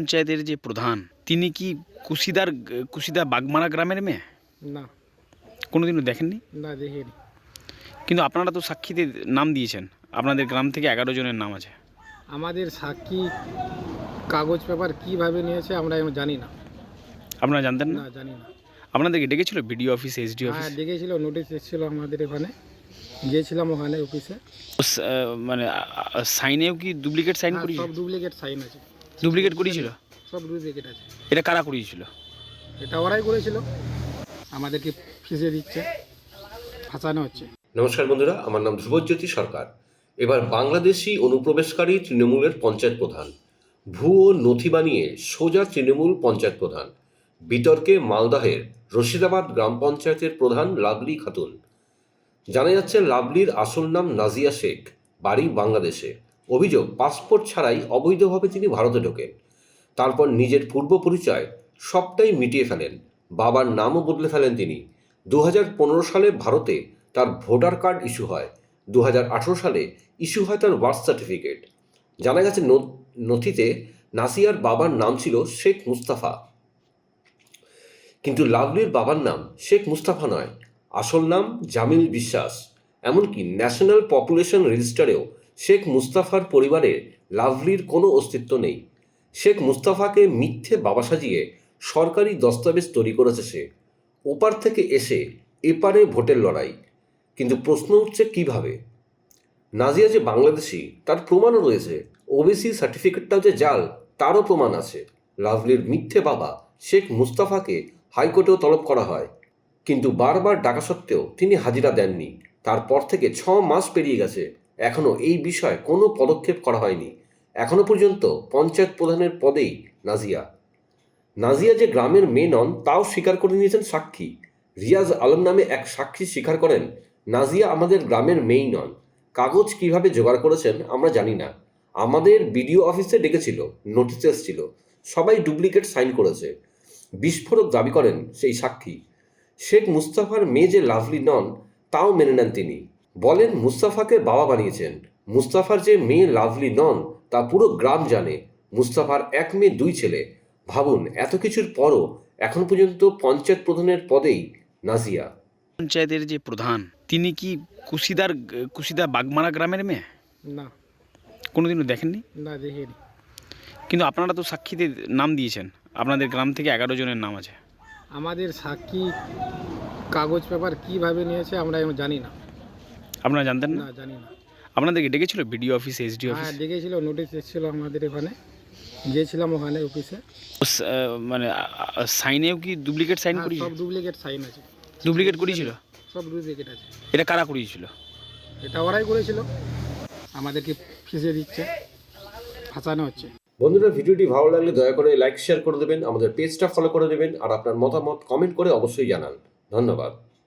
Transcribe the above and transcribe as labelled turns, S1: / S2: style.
S1: পঞ্চায়েতের যে প্রধান তিনি কি কুশিদা বাগমারা গ্রামের মেয়ে?
S2: না,
S1: কোনোদিনও দেখেননি?
S2: না দেখিনি।
S1: কিন্তু আপনারা তো সাক্ষীতে নাম দিয়েছেন, আপনাদের গ্রাম থেকে 11 জনের নাম আছে।
S2: আমাদের সাক্ষী কাগজ পেপার কিভাবে নিয়েছে আমরা এখন জানি না।
S1: আপনারা জানতেন না?
S2: না, জানি না।
S1: আপনাদেরকে ডেকেছিল বিডিও অফিস, এসডি অফিস?
S2: হ্যাঁ, ডেকেছিল, নোটিশ এসেছিল আমাদের এখানে, গিয়েছিলাম ওখানে অফিসে।
S1: মানে সাইনেও কি ডুপ্লিকেট সাইন
S2: হ্যাঁ,
S1: করিয়েছিল?
S2: সব ডুপ্লিকেট সাইন আছে,
S1: ডুপ্লিকেট করিয়েছিল?
S2: সব ডুপ্লিকেট আছে।
S1: এটা কারা করিয়েছিল?
S2: এটা ওরাই করেছিল, আমাদেরকে ফিসে দিচ্ছে, ফাঁসানো হচ্ছে।
S3: নমস্কার বন্ধুরা, আমার নাম ধ্রুবজ্যোতি সরকার। এবার বাংলাদেশি অনুপ্রবেশকারী তৃণমূলের পঞ্চায়েত প্রধান, ভুয়ো নথি বানিয়ে সোজা তৃণমূল পঞ্চায়েত প্রধান। বিতর্কে মালদহের রশিদাবাদ গ্রাম পঞ্চায়েতের প্রধান লাভলি খাতুন। জানা যাচ্ছে লাভলির আসল নাম নাজিয়া শেখ, বাড়ি বাংলাদেশে। অভিযোগ, পাসপোর্ট ছাড়াই অবৈধভাবে তিনি ভারতে ঢোকেন। তারপর নিজের পূর্ব পরিচয় সবটাই মিটিয়ে ফেলেন, বাবার নামও বদলে ফেলেন তিনি। 2015 সালে ভারতে তার ভোটার কার্ড ইস্যু হয়, 2018 সালে ইস্যু হয় তার বার্থ সার্টিফিকেট। জানা গেছে নথিতে নাসিয়ার বাবার নাম ছিল শেখ মুস্তাফা, কিন্তু লাভলির বাবার নাম শেখ মুস্তাফা নয়, আসল নাম জামিল বিশ্বাস। এমনকি ন্যাশনাল পপুলেশন রেজিস্টারেও শেখ মুস্তাফার পরিবারের লাভলির কোনো অস্তিত্ব নেই। শেখ মুস্তাফাকে মিথ্যে বাবা সাজিয়ে সরকারি দস্তাবেজ তৈরি করেছে সে। ওপার থেকে এসে এপারে ভোটের লড়াই। কিন্তু প্রশ্ন উঠছে কিভাবে? নাজিয়া যে বাংলাদেশি তার প্রমাণও রয়েছে, ওবিসি সার্টিফিকেটটাও যে জাল তারও প্রমাণ আছে। লাভলির মিথ্যে বাবা শেখ মুস্তাফাকে হাইকোর্টেও তলব করা হয়, কিন্তু বারবার ডাকা সত্ত্বেও তিনি হাজিরা দেননি। তারপর থেকে 6 মাস পেরিয়ে গেছে, এখনও এই বিষয়ে কোনো পদক্ষেপ করা হয়নি। এখনও পর্যন্ত পঞ্চায়েত প্রধানের পদেই নাজিয়া যে গ্রামের মেয়ে নন তাও স্বীকার করে নিয়েছেন সাক্ষী। রিয়াজ আলম নামে এক সাক্ষী স্বীকার করেন, নাজিয়া আমাদের গ্রামের মেয়েই নন। কাগজ কিভাবে জোগাড় করেছেন আমরা জানি না, আমাদের বিডিও অফিসে ডেকেছিল, নোটিশ এসেছিল, সবাই ডুপ্লিকেট সাইন করেছে। বিস্ফোরক দাবি করেন সেই সাক্ষী। শেখ মুস্তাফার মেয়ে যে লাভলি নন তাও মেনে নেন তিনি। বলেন মুস্তাফাকে বাবা বানিয়েছেন। মুস্তাফার যে মেয়ে লাভলি নন তা পুরো গ্রাম জানে। মুস্তাফার 1 মেয়ে 2 ছেলে। ভাবুন, এত কিছুর পরও এখন পর্যন্ত পঞ্চায়েত প্রধানের পদেই নাজিয়া।
S1: পঞ্চায়েতের যে প্রধান তিনি কি কুশিদা বাগমারা গ্রামের মেয়ে?
S2: না,
S1: কোনোদিনও দেখেননি?
S2: না দেখিনি।
S1: কিন্তু আপনারা তো সাক্ষীতে নাম দিয়েছেন, আপনাদের গ্রাম থেকে 11 জনের নাম আছে।
S2: আমাদের সাক্ষী কাগজ পেপার কিভাবে নিয়েছে আমরা এখন জানি না।
S1: আপনারা জানতেন না?
S2: না, জানি না।
S1: আপনাদেরকে ডেকেছিল বিডিও অফিস, এসডি অফিস?
S2: হ্যাঁ, ডেকেছিল, নোটিশ এসেছিল আমাদের এখানে, গিয়েছিলাম ওখানে অফিসে।
S1: মানে সাইনেও কি ডুপ্লিকেট সাইন
S2: হ্যাঁ,
S1: করিয়েছিল?
S2: সব ডুপ্লিকেট সাইন আছে,
S1: ডুপ্লিকেট করিয়েছিল?
S2: সব ডুপ্লিকেট আছে।
S1: এটা কারা করিয়েছিল?
S2: এটা ওরাই করেছিল, আমাদেরকে ফিসে দিচ্ছে, ফাঁসানো হচ্ছে।
S3: বন্ধুরা, ভিডিওটি ভালো লাগলে দয়া করে লাইক শেয়ার করে দেবেন, আমাদের পেজটা ফলো করে দেবেন, আর আপনার মতামত কমেন্ট করে অবশ্যই জানান। ধন্যবাদ।